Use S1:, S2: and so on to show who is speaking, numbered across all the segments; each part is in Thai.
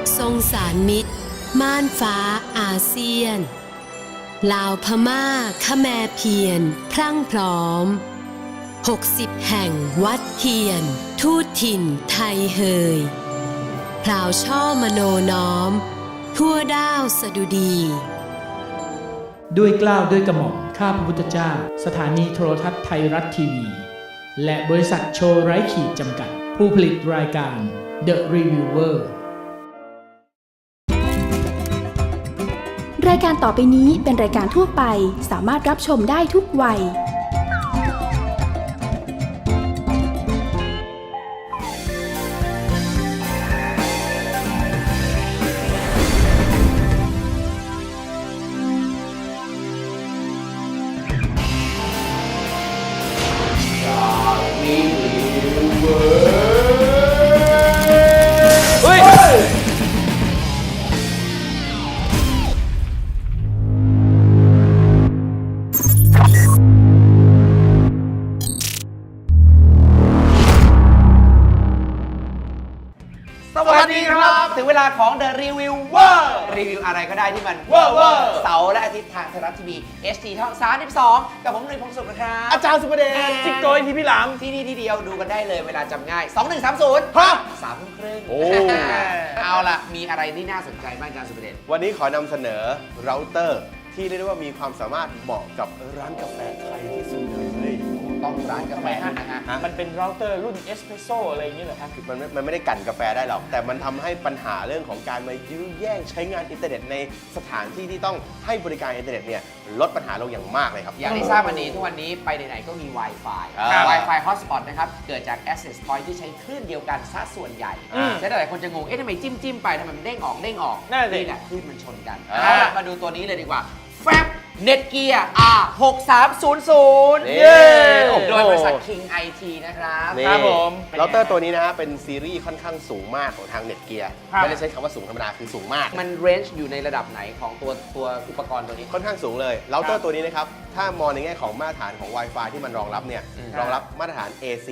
S1: ทรงสารมิตรม่านฟ้าอาเซียนลาวพม่าขแมเพียรพรั่งพร้อม60แห่งวัดเทียนทูตถิ่นไทยเฮยพราวช่อมโนน้อมทั่วด้าวสดุดี
S2: ด้วยเกล้าด้วยกระหม่อมข้าพระพุทธเจ้าสถานีโทรทัศน์ไทยรัฐทีวีและบริษัทโชว์ไร้ขีดจำกัดผู้ผลิตรายการ The Reviewer
S3: รายการต่อไปนี้เป็นรายการทั่วไปสามารถรับชมได้ทุกวัย
S4: สวัสดีครับถึงเวลาของ The Reviewer รีวิวอะไรก็ได้ที่มันเวอร์เสาร์และอาทิตย์ทางไทยรัฐทีวี HD ช่อง32กับผมหนุ่ยพงศ์สุขนะครับอาจารย์สุประเดชจิ๊กโกยทีพี่หลามที่นี่ที่เดียวดูกันได้เลยเวลาจำง่าย2130ฮะ3 ทุ่มครึ่งโอ้เอาล่ะมีอะไรที่น่าสนใจบ้างอาจารย์สุประเดช
S5: วันนี้ขอนำเสนอเราเตอร์ที่เรียกได้ว่ามีความสามารถเหมาะกับร้านกาแฟไทยที่สุดเลย
S4: ต้องร้านกาแฟนะฮะ
S2: มันเป็นเราเตอร์รุ่นเอสเปรสโซ่อะไรอย่างนี้เหรอครับ
S5: มันไม่ได้กั่นกาแฟได้หรอกแต่มันทำให้ปัญหาเรื่องของการมายื้อแย่งใช้งานอินเทอร์เน็ตในสถานที่ที่ต้องให้บริการอินเทอร์เน็ตเนี่ยลดปัญหาลงอย่างมากเลยครับ
S4: อย่างที่ทราบวันนี้ทุกวันนี้ไปไหนๆก็มี Wi-Fi Wi-Fi Hotspot นะครับเกิดจาก Access Point ที่ใช้คลื่นเดียวกันซะส่วนใหญ่และหลายคนจะงงทำไมจิ้มไปทำไมมันเด้งออกนี่แหละคลื่นมันชนกันมาดูตัวนี้เลยดีกว่าแฟบเน็ตเกียร์ R6300 โดยบริษัท King IT นะครับ
S5: ครับผมเราเตอร์ตัวนี้นะฮะเป็นซีรีส์ค่อนข้างสูงมากของทางเน็ตเกียร์ไม่ได้ใช้คำว่าสูงธรรมดาคือสูงมาก
S4: มันเรนจ์อยู่ในระดับไหนของตัวอุปกรณ์ตัวนี้
S5: ค่อนข้างสูงเลยเราเตอร์ตัวนี้นะครับถ้ามองในแง่ของมาตรฐานของ Wi-Fi ที่มันรองรับเนี่ยรองรับมาตรฐาน AC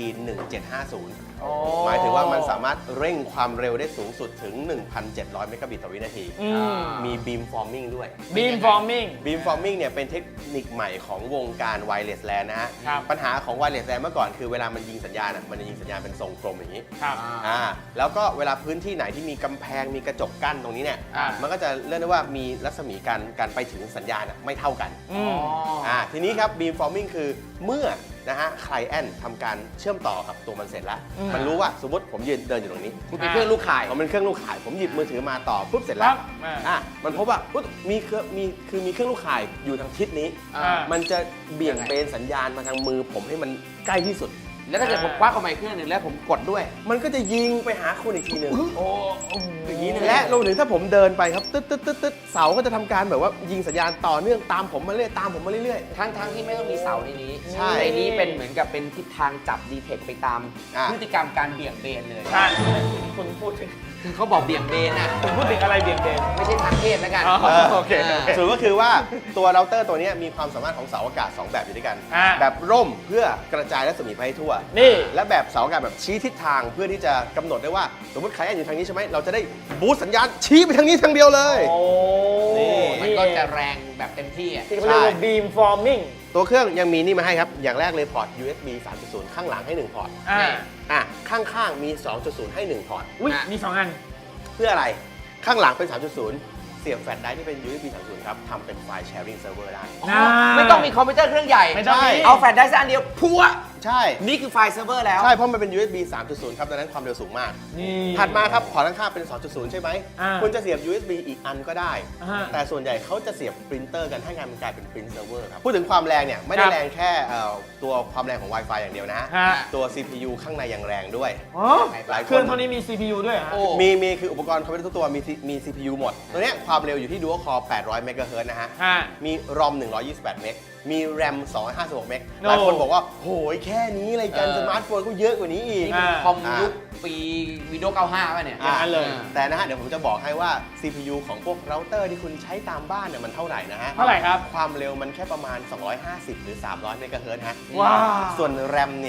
S5: 1750หมายถึงว่ามันสามารถเร่งความเร็วได้สูงสุดถึง 1,700 เมกะบิตต่อวินาทีมีบีมฟอร์มิงด้วย
S2: บีมฟอร์มิง
S5: เนี่ยเป็นเทคนิคใหม่ของวงการไวเลสแลนนะฮะปัญหาของไวเลสแลนเมื่อก่อนคือเวลามันยิงสัญญาณมันจะยิงสัญญาณเป็นทรงกลมอย่างนี้แล้วก็เวลาพื้นที่ไหนที่มีกำแพงมีกระจกกั้นตรงนี้เนี่ยมันก็จะเรียกได้ว่ามีรัศมีการไปถึงสัญญาณไม่เท่ากันทีนี้ครับบีมฟอร์มิงคือเมื่อนะฮะไคลเอนท์ทำการเชื่อมต่อกับตัวมันเสร็จแล้วมันรู้ว่าสมมติผมยืนเดินอยู่ตรงนี้
S4: คุณเป็นเครื่องลูกข่าย
S5: ผมเป็นเครื่องลูกข่ายผมหยิบมือถือมาต่อปุ๊บเสร็จแล้วมันพบว่ามีเครื่องลูกข่ายอยู่ทางทิศนี้มันจะเบี่ยงเบนสัญญาณมาทางมือผมให้มันใกล้ที่สุด
S4: แล้วถ้าเกิดผมคว้าเข้ามาอีกเครื่องหนึ่งแล้วผมกดด้วย
S5: มันก็จะยิงไปหาคุณอีกทีหนึ่งอย่างนี้และรวมถึงถ้าผมเดินไปครับตึ๊ดเสาก็จะทำการแบบว่ายิงสัญญาณต่อเนื่องตามผมมาเรื่อย
S4: ทั้งที่ไม่ต้องมีเสาในนี้ในนี้เป็นเหมือนกับเป็นทิศทางจับดีเทคไปตามพฤติกรรมการเบี่ยงเบนเลย
S2: ใช่คุณพูดถึง
S4: คือเขาบอกเบี่ยงเบนอ่ะ
S2: คุณพูดถึงอะไรเบี่ยงเบน
S4: ไม่ใช่ทางเพศแล้วกัน
S5: โอเคส่วนก็คือว่าตัวเราเตอร์ตัวนี้มีความสามารถของเสาอากาศ2แบบอยู่ด้วยกันแบบร่มเพื่อกระจายรัศมีไปให้ทั่วและแบบเสาอากาศแบบชี้ทิศทางเพื่อที่จะกำหนดได้ว่าสมมติใครอยู่ทางนี้ใช่ไหมเราจะได้บูสต์สัญญาณชี้ไปทางนี้ทางเดียวเลย
S4: มันก็จะแรงแบบเต็มที่
S2: ที่เขาเรียกว่าบีมฟอร์มิง
S5: ตัวเครื่องยังมีนี่มาให้ครับอย่างแรกเลยพอร์ต USB 3.0 ข้างหลังให้1พอร์ตข้างๆมี 2.0 ให้1พอร์ต
S2: มี2อัน
S5: เพื่ออะไรข้างหลังเป็น 3.0 เสียบแฟลชไดรฟ์ที่เป็น USB 3.0 ครับทำเป็นไฟล์แชร์ริ่งเซิร์ฟเวอร์ได้
S4: ไม่ต้องมีคอมพิวเตอร์เครื่องใหญ่เอาแฟลชไดรฟ์อันเดียวพัว
S5: ใช่
S4: นี่คือไฟล์เซิร์ฟเวอร์แล้ว
S5: ใช่เพราะมันเป็น USB 3.0 ครับดังนั้นความเร็วสูงมากถัดมาครับพอร์ตข้างๆเป็น 2.0 ใช่ไหมคุณจะเสียบ USB อีกอันก็ได้แต่ส่วนใหญ่เขาจะเสียบปรินเตอร์กันให้งานมันกลายเป็นปรินท์เซิร์ฟเวอร์ครับพูดถึงความแรงเนี่ยไม่ได้แรงแค่ตัวความแรงของ Wi-Fi อย่างเดียวนะตัว CPU ข้างในยังแรงด้วย
S2: เครื่องเท่านี้มี CPU ด้วย
S5: มีคืออุปกรณ์คอมพิวเตอร์ทุกตัวมี CPU หมดตัวนี้ความเร็วอยู่ที่ Dual Core 800 เมกะเฮิรตซ์นะฮะมี ROM 128 เมกมี RAM 256 เมกหลายคนบอกว่าโหยแค่นี้อะไรกันสมาร์ทโฟนก็เยอะกว่านี้อีก
S4: คอมยุคปีวิดีโอ95ป่ะเนี่ย
S5: อย่างนั้นเลยแต่นะฮะเดี๋ยวผมจะบอกให้ว่า CPU ของพวกเราเตอร์ที่คุณใช้ตามบ้านเนี่ยมันเท่าไหร่นะฮะ
S2: เท่าไหร่ครับ
S5: ความเร็วมันแค่ประมาณ250หรือ300 เมกะเฮิรตซ์ฮะส่วน RAM เนี่ย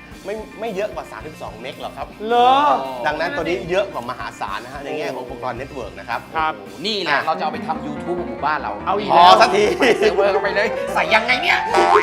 S5: ไม่เยอะกว่า 32 เมกหรอกครับ
S6: เหรอ
S5: ดังนั้นตัวนี้เยอะกว่ามหาศาลนะฮะในแง่ของอุปกรณ์เน็ตเวิร์กนะครับ
S6: ครับ
S4: นี่แหละเราจะเอาไปทำ YouTube ของหมู่บ้านเรา
S6: เอาอีก
S5: พอสักที
S4: ใส่เซิร์ฟเวอร์เข้าไปเลย ใส่ยังไงเนี่ย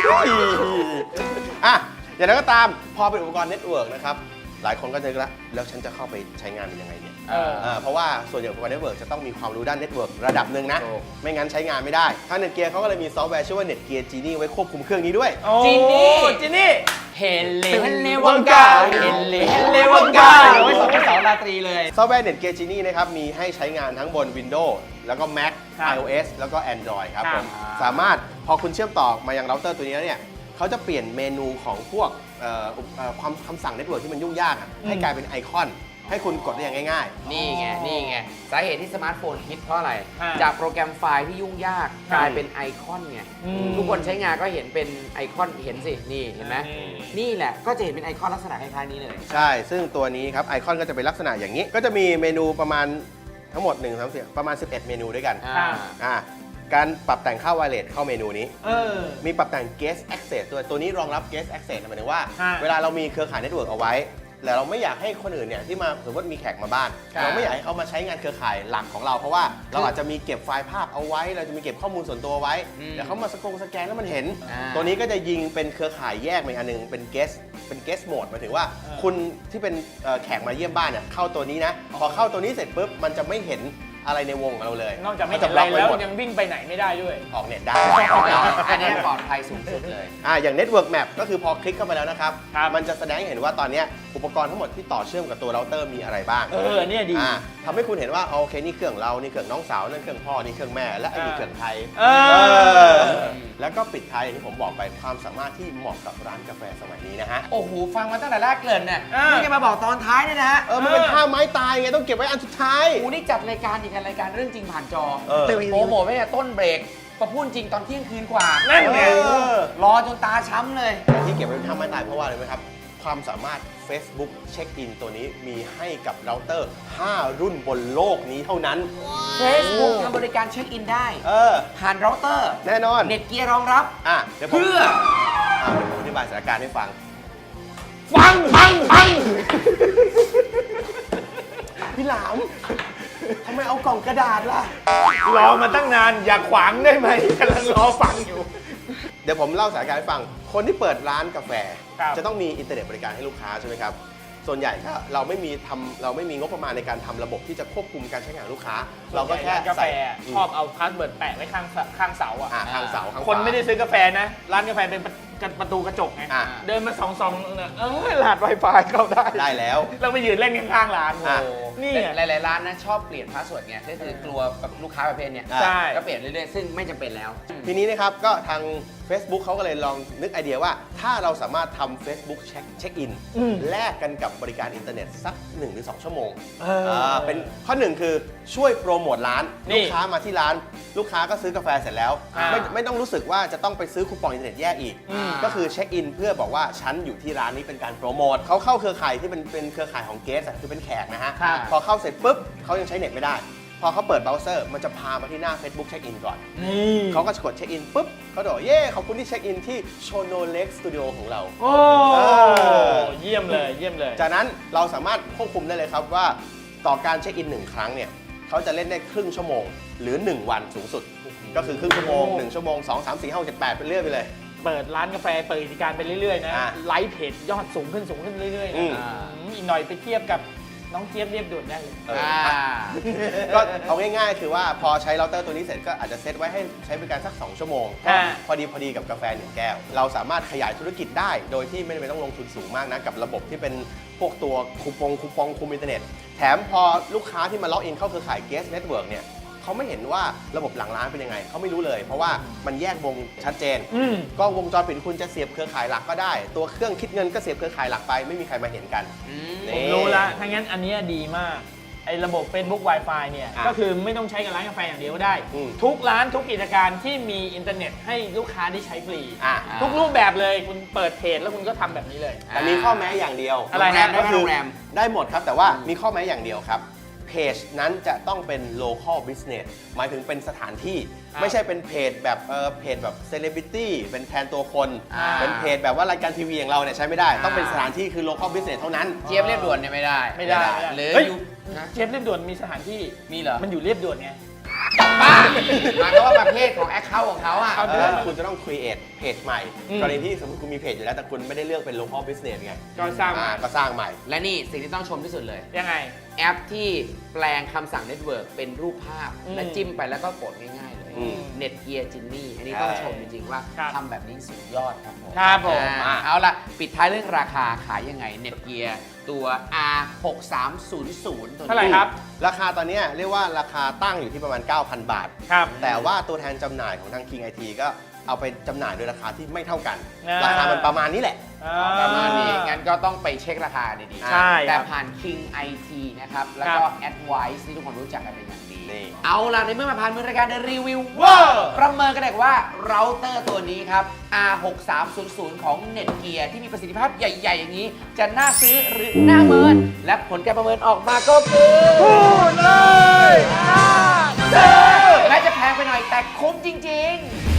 S5: อ่ะอย่างไรก็ตามพอเป็นอุปกรณ์เน็ตเวิร์กนะครับหลายคนก็จะแล้วฉันจะเข้าไปใช้งานมันยังไงเนี่ย เพราะว่าส่วนใหญ่อุปกรณ์เน็ตเวิร์กจะต้องมีความรู้ด้านเน็ตเวิร์กระดับหนึ่งนะ
S4: ถูก
S5: ไม่งั้นใช้งานไม่ได้ทาง Netgear เขาก็เลยมีซอฟต์แวร์ชื่อว่า Netgear Genie ไว้ควบคุมเครื่องนี้ด้วย
S4: จินนี่
S6: จินนี่
S4: เฮเลวังกาเฮเลวังกาเอาไว้สองสาวราตรีเลย
S5: ซอฟต์แวร์ Netgear Genie นะครับมีให้ใช้งานทั้งบน Windows แล้วก็ Mac
S6: ครับ
S5: iOS แล้วก็ Android ครับ
S6: ค
S5: ผ
S6: รับ
S5: มสามารถพอคุณเชื่อมต่อมายังเราเตอร์ตัวนี้แล้วเนี่ยเขาจะเปลี่ยนเมนูของพวกความคำสั่งเน็ตเวิร์กที่มันยุ่งยากอะให้กลายเป็นไอคอน ให้คุณกดได้อย่างง่าย
S4: นี่ไง สาเหตุที่สมาร์ทโฟนฮิตเพราะอะไร
S6: อ่า
S4: จากโปรแกรมไฟล์ที่ยุ่งยากกลายเป็นไอคอนไง ทุกคนใช้งานก็เห็นเป็นไอคอนเห็นสิ นี่เห็นไหมนี่แหละก็จะเห็นเป็นไอคอนลักษณะคล้ายๆนี้เลย
S5: ๆ ใช่ ซึ่งตัวนี้ครับไอคอนก็จะเป็นลักษณะอย่างนี้ ก็จะมีเมนูประมาณทั้งหมด1 3 4ประมาณ 11 เมนูด้วยกัน การปรับแต่งค่าไวเลสเข้าเมนูนี้ มีปรับแต่ง Guest Access ด้วยตัวนี้รองรับ Guest Access หมายถึงว่า เวลาเรามีเครือข่ายเน็ตเวิร์กเอาไว้แต่เราไม่อยากให้คนอื่นเนี่ยที่มาสมมติมีแขกมาบ้าน
S4: ครับ
S5: เราไม่อยากให้เขามาใช้งานเครือข่ายหลักของเราเพราะว่าเราอาจจะมีเก็บไฟล์ภาพเอาไว้ เราจะมีเก็บข้อมูลส่วนตัวไว้เดี๋ยวเขามาสแกนแล้วมันเห็น ตัวนี้ก็จะยิงเป็นเครือข่ายแยกมาอีกอันหนึงเป็น guest mode หมายถึงว่าคุณที่เป็นแขกมาเยี่ยมบ้านเนี่ยเข้าตัวนี้นะพอเข้าตัวนี้เสร็จปุ๊บมันจะไม่เห็นอะไรในวงของเราเลย
S6: นอกจากไม่
S5: น
S6: เห็น
S5: บ
S6: อะไร
S5: ล็อกไ
S6: แล้ว
S5: หมด
S6: ยังวิ่งไปไหนไม่ได้ด้วย
S5: ออกเน็ตได้
S4: อันนี้ปลอดภัยสูงสุดเลย
S5: อย่าง Network Map ก็คือพอคลิกเข้าไปแล้วนะครับ
S6: ครับ
S5: มันจะแสดงให้เห็นว่าตอนเนี้ยอุปกรณ์ทั้งหมดที่ต่อเชื่อมกับตัวเราเตอร์มีอะไรบ้าง
S6: เนี่ยดี
S5: ทำให้คุณเห็นว่าโอเคนี่เครื่องเรา นี่เครื่องน้องสาว นั่นเครื่องพ่อ นี่เครื่องแม่ และไอ้นี่เครื่องไทย แล้วก็ปิดท้ายอย่างที่ผมบอกไปความสามารถที่เหมาะกับร้านกาแฟสมัยนี้นะฮะ
S4: โอ้โห ฟังมาตั้งแต่แรกเกริ่นน่ะนี่จะมาบอกตอนท้ายเนี่ยนะฮะ
S5: มันเป็นท่าไม้ตายไงต้องเก็บไว้อันสุดท้าย
S4: โอ้นี่จัดรายการอีกรายการเรื่องจริงผ่านจอ
S5: เออ
S4: โปรโมทไว้เนี่ยต้นเบรกมาพูดจริงตอนเที่ยงคืนกว่า
S6: นั่นไง
S4: รอจนตาช้ำเลย
S5: ที่เก็บไว้เป็นท่าไม้ตายเพราะว่าอะไรไหมครับ ความสามารถ Facebook Check-in ตัวนี้มีให้กับเราเตอร์ 5 รุ่นบนโลกนี้เท่านั้น
S4: Facebook ทำบริการเช็คอินได้ ผ่านเราเตอร์
S5: แน่นอน
S4: เน็ตเกียร์รองรับ
S5: เดี๋ยวผม
S4: เพื่อ
S5: เดี๋ยวผมอธิบายสถานการณ์ให้ฟัง
S6: ฟัง
S5: พี่หลามทำไมเอากล่องกระดาษล่ะ
S6: รอมาตั้งนานอย่าขวางได้ไหมกำลังรอฟังอยู่
S5: เดี๋ยวผมเล่าสถานการณ์ให้ฟัง คนที่เปิดร้านกาแฟ
S6: ครับ
S5: จะต้องมีอินเทอร์เน็ตบริการให้ลูกค้าใช่ไหมครับ ส่วนใหญ่ถ้าเราไม่มีงบประมาณในการทำระบบที่จะควบคุมการใช้งานของลูกค้า เราก็แค่
S6: ร้านกาแฟ
S5: ใส่
S6: ชอบเอาพาสเวิร์ดแปะไว้ข้างเสาอ่ะ
S5: ทางเสาข้างขวา
S6: คนไม่ได้ซื้อกาแฟนะ ร้านกาแฟเป็นประตูกระจกไง เดินมาส่องๆเนี่ยรหัส Wi-Fi เข้าได้
S5: ได้แล้ว
S6: เราไปยืนเล่นข้างๆร้าน
S5: อ่ะ
S6: นี่
S4: หลายๆร้านนะชอบเปลี่ยนพาสเวิร์ดไงก็คือกลัวแบบลูกค้าประเภทเนี้ย
S6: ใช่
S4: ก็เปลี่ยนเรื่อยๆ ซึ่งไม่จำเป็นแล้ว
S5: ทีนี้นะครับก็ทาง Facebook เขาก็เลยลองนึกไอเดียว่า ถ้าเราสามารถทำ Facebook Check-in แลกกันกับบริการอินเทอร์เน็ตสัก 1 หรือ 2 ชั่วโมงเป็นข้อหนึ่งคือช่วยโปรโมทร้าน
S6: นี่
S5: ลูกค้ามาที่ร้าน ลูกค้าก็ซื้อกาแฟเสร็จแล้ว ไม่ต้องรู้สึกว่าจะต้องไปซื้อคูปองอินเทอร์เน็ตแยกอีก ก็คือเช็คอินเพื่อบอกว่าฉันอยู่ที่ร้านนี้เป็นการโปรโมทเขาเข้าเครือข่ายที่เป็นเครือข่ายของเกสคือเป็นแขกนะฮะ
S6: ครับ
S5: พอเข้าเสร็จปุ๊บเขายังใช้เน็ตไม่ได้ พอเขาเปิดเบราว์เซอร์มันจะพามาที่หน้า Facebook Check-in ก่อน
S6: นี่
S5: เขาก็จะกดเช็คอินปุ๊บเขาบอกเย้ขอบคุณที่เช็คอินที่โชโนเล็กสตูดิโอของเรา
S6: โอ้
S5: เออ
S6: เยี่ยมเลยเยี่ยมเลย
S5: จากนั้นเราสามารถควบคุมได้เลยครับว่าต่อการเช็คอิน1 ครั้งเนี่ยเขาจะเล่นได้ครึ่งชั่วโมง หรือ 1 วันสูงสุด ก็คือครึ่งชั่วโมง 1 ชั่วโมง 2 3 4 5 6 7 8เป็นเรื่อยไปเลย
S6: เปิดร้านกาแฟเปิดกิจการไปเรื่อยๆนะ
S5: อ่ะ
S6: ไลฟ์เพจยอดสูงขึ้นเรื่อยๆ
S5: อื
S6: นะ
S5: ม
S6: อีกหน่อยไปเทียบกับน้องเจี๊ยบเรียบด่วนได้เลย
S5: ก็เอาง่ายๆ คือว่าพอใช้เราเตอร์ตัวนี้เสร็จก็อาจจะเซตไว้ให้ใช้บริการสัก 2 ชั่วโมง
S6: อ่า
S5: พอดีกับกาแฟ 1 แก้ว เราสามารถขยายธุรกิจได้โดยที่ไม่จำเป็นต้องลงทุนสูงมากนะกับระบบที่เป็นพวกตัวคูปองคุมอินเทอร์เน็ต แถมพอลูกค้าที่มาล็อกอินเข้าเครือข่าย Guest Network เนี่ยเขาไม่เห็นว่าระบบหลังร้านเป็นยังไงเขาไม่รู้เลย เพราะว่ามันแยกวงชัดเจน กล้องวงจรปิดคุณจะเสียบเครือข่ายหลักก็ได้ ตัวเครื่องคิดเงินก็เสียบเครือข่ายหลักไปไม่มีใครมาเห็นกัน
S6: ผมรู้ละถ้างั้นอันเนี้ยดีมาก ไอ้ระบบ Facebook Wi-Fi เนี่ย ก็คือไม่ต้องใช้กับร้านกาแฟอย่างเดียวก็ได้ ทุกร้านทุกกิจการที่มีอินเทอร์เน็ตให้ลูกค้าได้ใช้ฟรี ทุกรูปแบบเลยคุณเปิดเพจแล้วคุณก็ทำแบบนี้เลย
S5: แต่มีข้อแม้อย่างเดียว
S6: อะไรฮะ
S5: ก็คือ
S4: โรงแรม
S5: ได้หมดครับแต่ว่ามีข้อแม้อย่างเดียวครับเพจนั้นจะต้องเป็น local business หมายถึงเป็นสถานที่ ไม่ใช่เป็นเพจแบบเพจแบบ celebrity เป็นแทนตัวคน เป็นเพจแบบว่ารายการทีวีอย่างเราเนี่ยใช้ไม่ได้ ต้องเป็นสถานที่คือ local business เท่านั้น
S4: เจี๊ยบเรียบด่วนเนี่ยไม่ได้ หรือ
S6: เฮ้ย
S4: อยู่
S6: เจี๊ยบเรียบด่วนมีสถานที่
S4: มีเหรอ
S6: มันอยู่เรียบด่วนไง
S4: บ้าหมายความว่าประเภทของแอคเคาท์ของเขาอ่ะ
S5: คุณจะต้อง create เพจใหม่ กรณีที่สมมติคุณมีเพจอยู่แล้วแต่คุณไม่ได้เลือกเป็น local business ไง
S6: ก็สร้างใหม่
S5: ก็สร้างใหม่
S4: และนี่สิ่งที่ต้องชมที่สุดเลย
S6: ยังไง
S4: แอปที่แปลงคำสั่งเน็ตเวิร์กเป็นรูปภาพ และจิ้มไปแล้วก็กดง่ายๆเลย เน็ตเกียร์จินนี่อันนี้ต้องชมจริงๆว่า
S6: ครับ
S4: ทำแบบนี้สุดยอดครับผม
S6: ครับผม
S4: เอาละปิดท้ายเรื่องราคาขายยังไงเน็ตเกียร์ตัว R6300 ตัวนี้
S6: เท่าไหร่ครับ
S5: ราคาตอนเนี้ยเรียกว่าราคาตั้งอยู่ที่ประมาณ 9,000 บาท
S6: ครับ
S5: แต่ว่าตัวแทนจำหน่ายของทาง King IT ก็เอาไปจำหน่ายโดยราคาที่ไม่เท่ากัน ราคามันประมาณนี้แหละ
S4: ประมาณนี้งั้นก็ต้องไปเช็คราคาดีๆ
S6: ใช่
S4: แต่
S6: ครับ
S4: ผ่าน King IT นะครับ แล้วก็ Advice ที่ทุกคนรู้จักกันเป็นอย่างดี
S5: นี่
S4: เอาล่ะ ในเมื่อมาผ่านมือรายการ The Review ประเมินกันได้ว่าเราเตอร์ตัวนี้ครับ R6300 ของ Netgear ที่มีประสิทธิภาพใหญ่ ๆ อย่างนี้ จะน่าซื้อหรือน่าเมิน และผลการประเมินออกมาก็คือพูดเลยน่าซื้อแม้จะแพงไปหน่อยแต่คุ้มจริง ๆ